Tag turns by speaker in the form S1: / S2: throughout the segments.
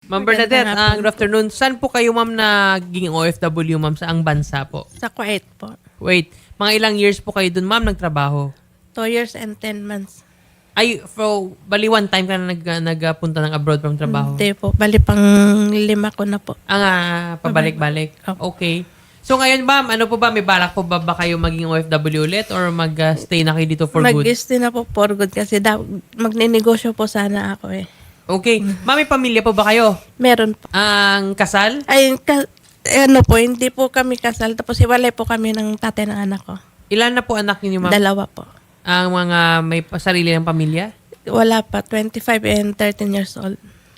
S1: Ma'am Bernadette, good afternoon. Saan po kayo, ma'am, naging OFW, ma'am? Saang bansa po?
S2: Sa Kuwait po.
S1: Wait, mga ilang years po kayo dun, ma'am, nagtrabaho?
S2: 2 years and 10 months.
S1: Ay, bali one time ka na nagpunta ng abroad from trabaho?
S2: Hindi po. Bali pang 5 ko na po.
S1: Pabalik-balik. Okay. So ngayon, ma'am, ano po ba? May balak po ba kayo maging OFW ulit or mag-stay na kayo dito for good?
S2: Mag-stay na po for good kasi magninegosyo po sana ako eh.
S1: Okay. Ma'am, may pamilya po ba kayo?
S2: Meron po.
S1: Ang kasal?
S2: Ay, ano po, hindi po kami kasal. Tapos iwalay po kami ng tatay ng anak ko.
S1: Ilan na po anak niyo, ma'am?
S2: 2 po.
S1: Ang mga may sarili ng pamilya?
S2: Wala pa. 25 and 13 years old.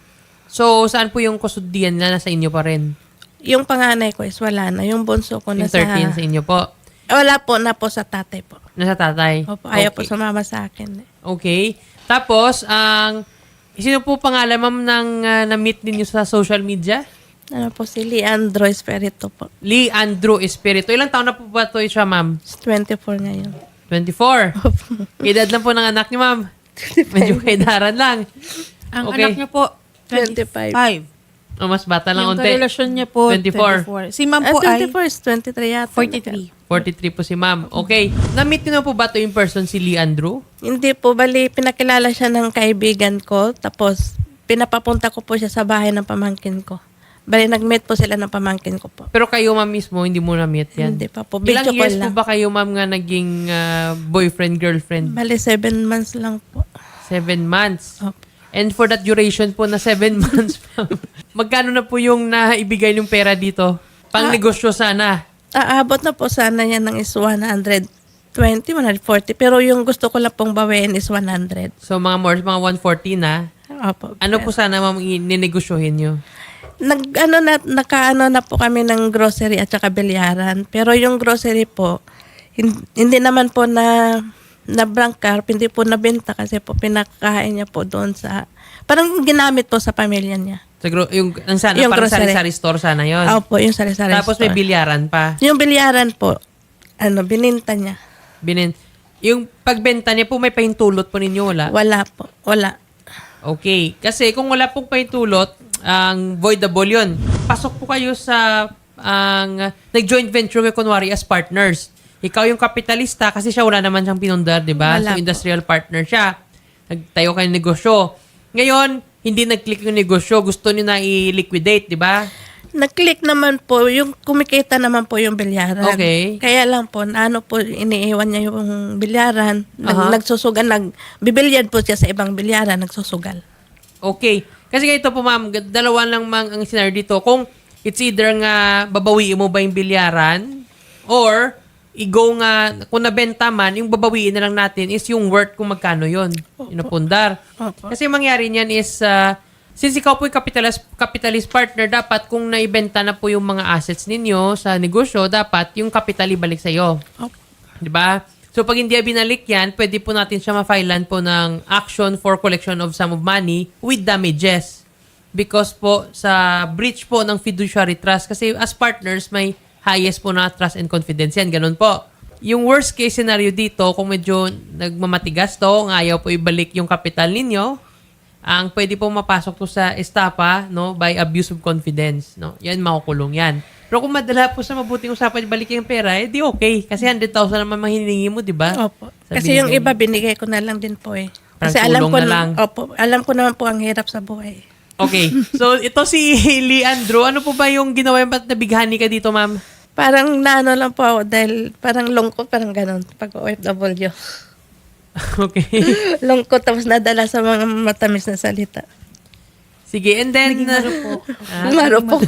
S1: So, saan po yung kusudian na nasa inyo pa rin?
S2: Yung panganay ko is wala na. Yung bunso ko
S1: Yung
S2: nasa...
S1: 13 sa inyo po?
S2: Wala po na po sa tatay po.
S1: Nasa tatay?
S2: Opo, ayaw po
S1: Okay.
S2: sumama sa akin.
S1: Okay. Tapos, sino po pangalan, ma'am, ng na-meet ninyo sa social media?
S2: Ano po si Leandro Espirito po.
S1: Lee Andrew Espirito. Ilang taon na po ba ito siya, ma'am?
S2: 24 ngayon.
S1: 24. Edad lang po ng anak niyo, ma'am. Medyo kaidaran lang.
S3: Ang
S1: Okay.
S3: anak niya po,
S2: 25.
S3: 25.
S1: O, mas bata lang
S3: Yung
S1: unti.
S3: karelasyon niya po,
S1: 24.
S3: 24. Si ma'am po ay
S2: 24 is 23 yata.
S3: 43.
S1: 43 po si ma'am. Okay. Na-meet niyo na po ba ito in person si Lee Andrew?
S2: Hindi po, bali pinakilala siya ng kaibigan ko. Tapos pinapapunta ko po siya sa bahay ng pamangkin ko. Bali nag-meet po sila ng pamangkin ko po.
S1: Pero kayo, ma'am, mismo, hindi mo na-meet yan?
S2: Hindi pa po.
S1: Ilang
S2: Video
S1: years
S2: call
S1: po
S2: lang.
S1: ba kayo, ma'am, nga naging boyfriend, girlfriend?
S2: Bali 7 months lang po.
S1: 7 months.
S2: Opo.
S1: And for that duration po na 7 months, ma'am, magkano na po yung naibigay yung pera dito? Pang negosyo sana.
S2: Aabot na po sana yan ng is 120, 140. Pero yung gusto ko lang pong bawiin is 100.
S1: So mga 140 na.
S2: Opo.
S1: Ano po sana, ma'am, ninegosyohin nyo?
S2: Nakaano na po kami ng grocery at saka bilyaran. Pero yung grocery po, hindi naman po na bankrupt, hindi po nabenta kasi po pinakain niya po doon sa, parang ginamit po sa pamilya niya.
S1: Sana,
S2: Yung
S1: parang
S2: grocery.
S1: sari-sari store sana yon.
S2: Opo, yung sari-sari
S1: Tapos may
S2: store.
S1: bilyaran pa.
S2: Yung bilyaran po, bininta niya.
S1: Yung pagbenta niya po, may pahintulot po ninyo, wala?
S2: Wala po, wala.
S1: Okay. Kasi kung wala pong pahintulot, ang voidable yun. Pasok po kayo sa nag-joint venture kayo kunwari as partners. Ikaw yung kapitalista kasi siya wala naman siyang pinundar, di ba?
S2: Wala
S1: So
S2: po.
S1: industrial partner siya. Nagtayo kayo ng negosyo. Ngayon, hindi nag-click yung negosyo. Gusto niyo na i-liquidate, di ba?
S2: Nag-click naman po, yung kumikita naman po yung bilyaran.
S1: Okay.
S2: Kaya lang po, iniiwan niya yung bilyaran.
S1: Aha.
S2: Nagsusugal, bibilyad po siya sa ibang bilyaran, nagsusugal.
S1: Okay. Kasi ganito po, ma'am, dalawa lang mang ang scenario dito. Kung it's either nga babawiin mo ba yung bilyaran or kung nabenta man, yung babawiin na lang natin is yung worth kung magkano yun. Yung napundar.
S2: Opo.
S1: Kasi mangyari niyan is, since ikaw po yung capitalist partner, dapat kung naibenta na po yung mga assets ninyo sa negosyo, dapat yung capital ibalik sa'yo.
S2: Opo.
S1: Di ba? So, pag hindi binalik yan, pwede po natin siya ma-filean po ng action for collection of sum of money with damages. Because po, sa breach po ng fiduciary trust, kasi as partners, may highest po na trust and confidence yan. Ganun po. Yung worst case scenario dito, kung medyo nagmamatigas to, ayaw po ibalik yung capital ninyo, ang pwede po mapasok to sa estapa, no, by abuse of confidence, no. Yan, makukulong yan. Pero kung madala po sa mabuting usapan, balik yung pera, di okay. Kasi 100,000 naman mahiningi mo, di ba?
S2: Opo. Kasi yung iba, binigay ko na lang din po eh.
S1: Parang
S2: Kasi alam
S1: tulong
S2: ko
S1: na lang.
S2: Opo, alam ko naman po ang hirap sa buhay.
S1: Okay. So, ito si Lee Andrew. Ano po ba yung ginawa yung ba't nabighani ka dito, ma'am?
S2: Parang naano lang po ako dahil parang lungkot, parang ganun pag OFW.
S1: Okay.
S2: Lungkot tapos nadala sa mga matamis na salita.
S1: Sige, and then...
S2: Marupok.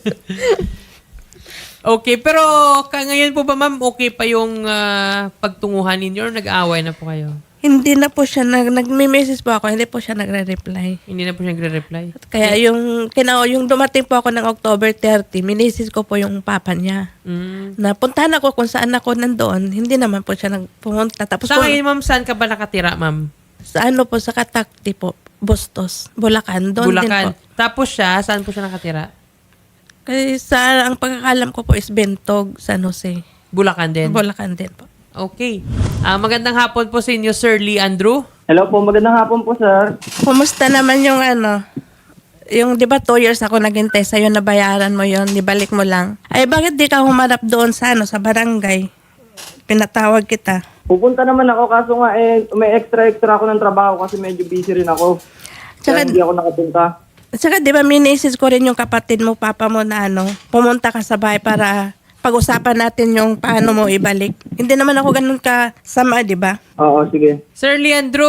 S1: Okay, pero ngayon po ba, ma'am, okay pa yung pagtunguhan ninyo or nag-aaway na po kayo?
S2: Hindi na po siya, nagme-message po ako, hindi po siya nagre-reply.
S1: Hindi na po siya nagre-reply?
S2: Kaya yung dumating po ako ng October 30, minisis ko po yung papa niya. Napuntahan ako kung saan ako nandoon, hindi naman po siya nagpumunta. Tapos
S1: Sa
S2: po,
S1: ngayon, ma'am, saan ka ba nakatira, ma'am?
S2: sa ano po, sa Katakti po, Bustos, Bulacan. Doon din
S1: Bulacan.
S2: po.
S1: Tapos siya, saan po siya nakatira?
S2: Kasi ang pagkakalam ko po is Bentog, San Jose.
S1: Bulacan din?
S2: Bulacan din po.
S1: Okay. Magandang hapon po sa inyo, Sir Lee Andrew.
S4: Hello po, magandang hapon po, sir.
S2: Kumusta naman yung Yung, di ba, 2 years ako naghintay sa'yo na bayaran mo yon, ibalik mo lang. Ay, bakit di ka humarap doon sa, sa barangay? Pinatawag kita.
S3: Pupunta naman ako, kaso nga may extra ako ng trabaho kasi medyo busy rin ako.
S2: Tsaka,
S3: Kaya hindi ako nakapunta.
S2: tsaka di ba, minisis ko rin yung kapatid mo, papa mo na pumunta ka sa bahay para pag-usapan natin yung paano mo ibalik. Hindi naman ako ganun kasama, di ba?
S3: Oo, sige.
S1: Sir Leandro,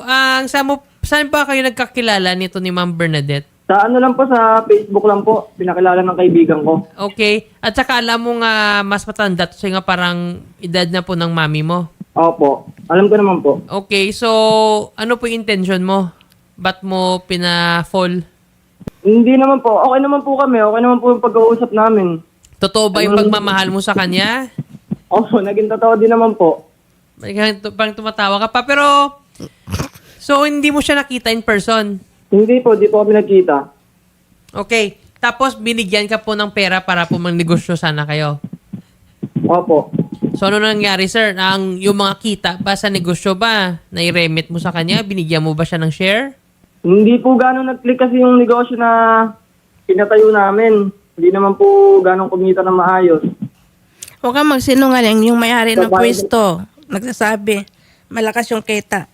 S1: saan ba kayo nagkakilala nito ni Ma'am Bernadette?
S3: Sa ano lang po, sa Facebook lang po, pinakilala ng kaibigan ko.
S1: Okay. At saka alam mo nga mas matanda to siya nga parang edad na po ng mami mo.
S3: Opo, alam ko naman po.
S1: Okay, so ano po yung intention mo? Ba't mo pina-fall?
S3: Hindi naman po, okay naman po kami, okay naman po yung pag-uusap namin.
S1: Totoo ba yung pagmamahal mo sa kanya?
S3: Opo, naging totoo din naman po.
S1: Parang tumatawa ka pa. Pero, so hindi mo siya nakita in person?
S3: Hindi po, di po kami nagkita.
S1: Okay. Tapos binigyan ka po ng pera para po magnegosyo sana kayo.
S3: Opo.
S1: So ano nangyari, sir? Yung mga kita ba sa negosyo ba? Nai-remit mo sa kanya? Binigyan mo ba siya ng share?
S3: Hindi po gano'ng nag-click kasi yung negosyo na pinatayo namin. Hindi naman po gano'ng kumita na maayos.
S2: Huwag kang magsinungaling, yung may-ari ng
S3: Babae.
S2: pwesto, nagsasabi, malakas yung kita.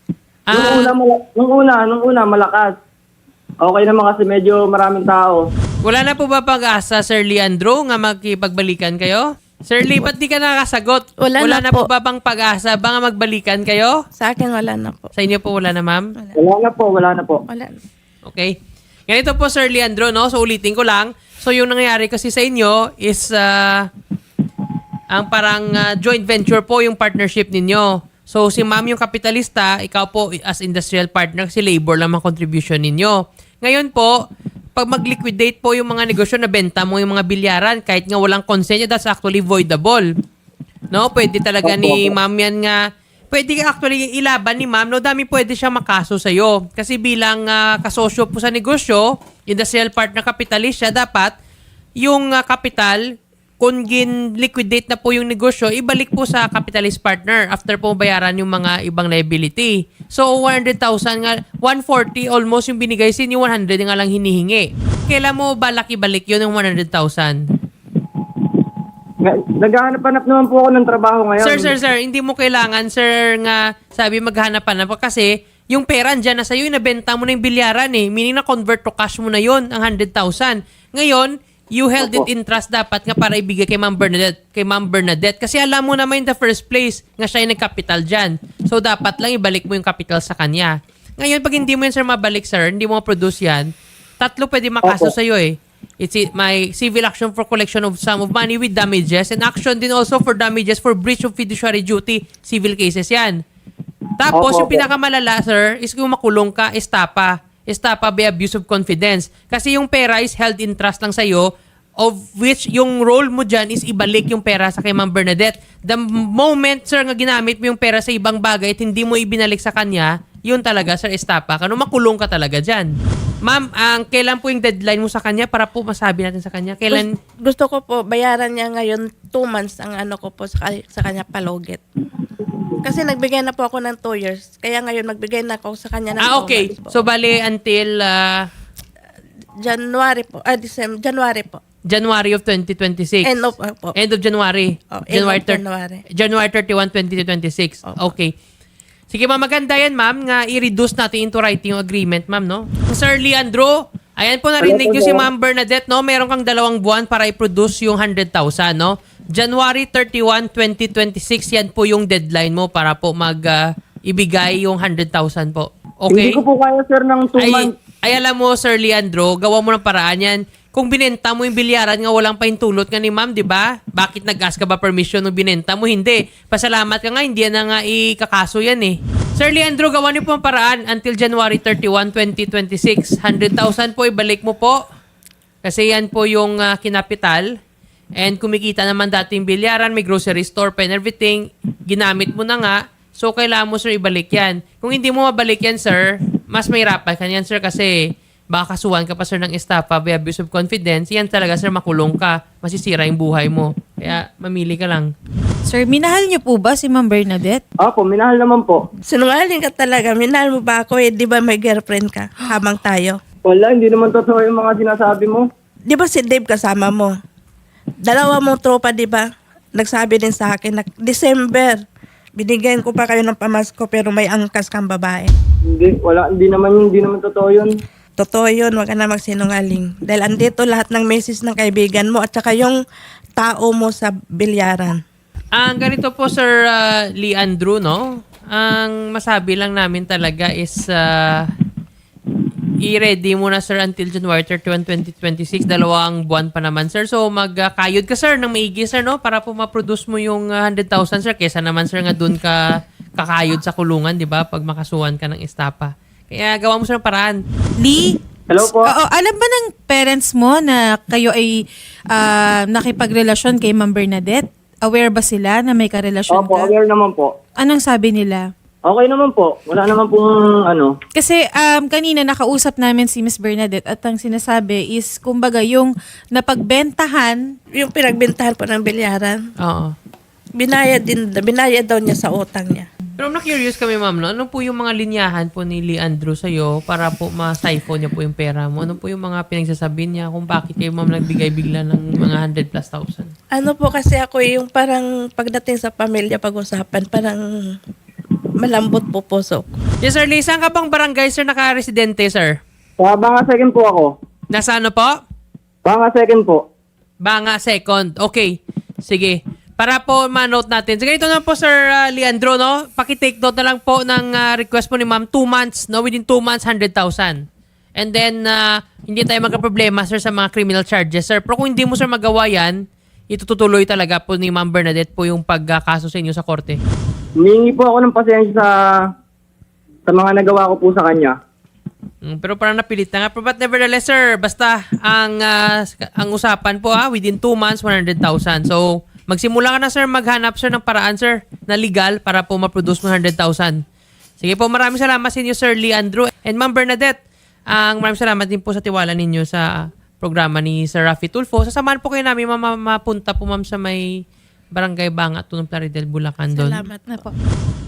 S3: Nung una, malakas. Okay naman kasi medyo maraming tao.
S1: Wala na po ba pag-asa, Sir Leandro, nga magkipagbalikan kayo? Sir Lee, ba't di ka nakasagot?
S2: Wala na
S1: na
S2: po.
S1: po ba bang pag-asa? Ba nga magbalikan kayo?
S2: Sa akin, wala na po.
S1: Sa inyo po wala na, ma'am?
S3: Wala na po.
S2: Wala na.
S1: Okay. Ganito po, Sir Leandro, no? So, ulitin ko lang. So, yung nangyayari kasi sa inyo is ang parang joint venture po yung partnership ninyo. So, si ma'am yung kapitalista, ikaw po as industrial partner, si labor lang ang contribution ninyo. Ngayon po, pag mag-liquidate po yung mga negosyo na benta mo yung mga bilyaran, kahit nga walang consent, that's actually voidable. No? Pwede talaga ni ma'am yan nga, pwede actually ilaban ni ma'am, no? Dami pwede siya makaso sa'yo. Kasi bilang kasosyo po sa negosyo, industrial partner capitalist siya, dapat yung kapital, kung gin-liquidate na po yung negosyo, ibalik po sa capitalist partner after po bayaran yung mga ibang liability. So, 100,000 nga, 140 almost yung binigay sin, yung 100 nga lang hinihingi. Kailan mo balak ibalik yun yung 100,000?
S3: Naghahanap-hanap naman po ako ng trabaho ngayon.
S1: Sir, hindi mo kailangan, sir, nga sabi maghanap-hanap pa kasi yung pera dyan na sa'yo, inabenta mo na yung bilyaran eh. Meaning na convert to cash mo na yun, ang 100,000. Ngayon, you held it in trust dapat nga para ibigay kay Ma'am Bernadette. Kasi alam mo naman in the first place nga siya yung nag-capital dyan. So, dapat lang ibalik mo yung capital sa kanya. Ngayon, pag hindi mo yan, sir, mabalik, sir, hindi mo ma-produce yan, 3 pwede makaso sa'yo eh. It's my civil action for collection of sum of money with damages and action din also for damages for breach of fiduciary duty. Civil cases yan. Tapos, yung pinakamalala, sir, is kung makulong ka, estapa by abuse of confidence. Kasi yung pera is held in trust lang sa'yo, of which yung role mo dyan is ibalik yung pera sa kay Ma'am Bernadette. The moment, sir, nga ginamit mo yung pera sa ibang bagay at hindi mo ibinalik sa kanya, yun talaga, sir, estapa ka. Makulong ka talaga dyan. Ma'am, kailan po yung deadline mo sa kanya para po masabi natin sa kanya? Kailan?
S2: Gusto ko po, bayaran niya ngayon 2 months ang ko po sa kanya palogit. Kasi nagbigay na po ako ng 2 years. Kaya ngayon magbigay na ako sa kanya ng 2
S1: okay.
S2: months po.
S1: So, bali until
S2: January po. January po.
S1: January of 2026.
S2: End of
S1: January.
S2: Oh,
S1: January,
S2: January.
S1: January 31, 2026. Okay. Sige, ma'am, maganda yan, ma'am, nga i-reduce natin into writing yung agreement, ma'am, no? Sir Leandro, ayan po narinig nyo si Ma'am Bernadette, no? Meron kang 2 buwan para i-produce yung 100,000, no? January 31, 2026, yan po yung deadline mo para po ibigay yung 100,000 po. Okay?
S3: Hindi ko po kaya, sir, ng 2 months.
S1: Ay, alam mo, Sir Leandro, gawa mo ng paraan yan. Kung binenta mo yung bilyaran nga walang pahintulot nga ni ma'am, di ba? Bakit nag-ask ka ba permission nung binenta mo? Hindi. Pasalamat ka nga, hindi yan na nga ikakaso yan eh. Sir Leandro, gawa niyo po ang paraan until January 31, 2026. 100,000 po, ibalik mo po. Kasi yan po yung kinapital. And kumikita naman dati yung bilyaran, may grocery store pa and everything. Ginamit mo na nga. So, kailangan mo, sir, ibalik yan. Kung hindi mo mabalik yan, sir, mas mahirapan ka yan, sir, kasi baka kasuhan ka pa, sir, ng estafa by abuse of confidence. Yan talaga, sir, makulong ka. Masisira yung buhay mo. Kaya, mamili ka lang.
S4: Sir, minahal niyo po ba si Ma'am Bernadette?
S3: Opo, minahal naman po.
S2: Sinungaling ka talaga. Minahal mo ba ako? Di ba may girlfriend ka habang tayo?
S3: Wala, hindi naman totoo yung mga sinasabi mo.
S2: Di ba si Dave kasama mo? Dalawa mong tropa, di ba? Nagsabi din sa akin na December, binigyan ko pa kayo ng pamasko pero may angkas kang babae.
S3: Hindi, wala, hindi naman totoo yun.
S2: Totoo yun, wag ka na magsinungaling. Dahil andito lahat ng message ng kaibigan mo at saka yung tao mo sa bilyaran.
S1: Ang ganito po, Sir Lee Andrew, no? Ang masabi lang namin talaga is i-ready mo na, sir, until January 31, 2026. 2 buwan pa naman, sir. So, magkayod ka, sir, ng maigi, sir, no? Para po ma-produce mo yung 100,000, sir. Kesa naman, sir, nga dun ka kakayod sa kulungan, di ba? Pag makasuhan ka ng estapa. Kaya gawa mo, sir, ng paraan.
S4: Lee?
S3: Hello po?
S4: Oo, alam ba ng parents mo na kayo ay nakipagrelasyon kay Ma'am Bernadette? Aware ba sila na may karelasyon
S3: Opo,
S4: ka?
S3: aware naman po.
S4: Anong sabi nila?
S3: Okay naman po. Wala naman pong ano.
S4: Kasi kanina nakausap namin si Miss Bernadette at ang sinasabi is kumbaga yung napagbentahan.
S2: Yung pinagbentahan po ng bilyaran,
S1: Oo.
S2: binayad daw niya sa utang niya.
S1: Pero na-curious kami, ma'am, no? Ano po yung mga linyahan po ni Lee Andrew sa'yo para po ma-siphon niya po yung pera mo? Ano po yung mga pinagsasabi niya kung bakit kayo, ma'am, nagbigay bigla ng mga 100,000+?
S2: Ano po kasi ako yung parang pagdating sa pamilya pag-usapan, parang malambot po puso ko.
S1: Yes, sir Lee. Saan ka bang barangay, sir, naka-residente, sir?
S3: Banga second po ako.
S1: Nasa ano po?
S3: Banga second po.
S1: Banga second. Okay. Sige. Para po ma-note natin. So, ganito na po, Sir Leandro, no? Paki-take note na lang po ng request po ni ma'am. 2 months, no? Within 2 months, 100,000. And then, hindi tayo magka-problema, sir, sa mga criminal charges, sir. Pero kung hindi mo, sir, magawa yan, itutuloy talaga po ni Ma'am Bernadette po yung pagkaso sa inyo sa korte.
S3: Humingi po ako ng pasensya sa mga nagawa ko po sa kanya.
S1: Pero parang napilit na nga. But nevertheless, sir, basta ang usapan po, within 2 months, 100,000. So, magsimula ka na, sir, maghanap, sir, ng paraan, sir, na legal para po ma-produce mo 100,000. Sige po, maraming salamat sa inyo, Sir Lee Andrew. And Ma'am Bernadette, maraming salamat din po sa tiwala ninyo sa programa ni Sir Raffy Tulfo. Sasamahan po kayo namin, mapunta po, ma'am, sa may Barangay Banga, Tunong Plaridel, Bulacan doon.
S2: Salamat
S4: Na po.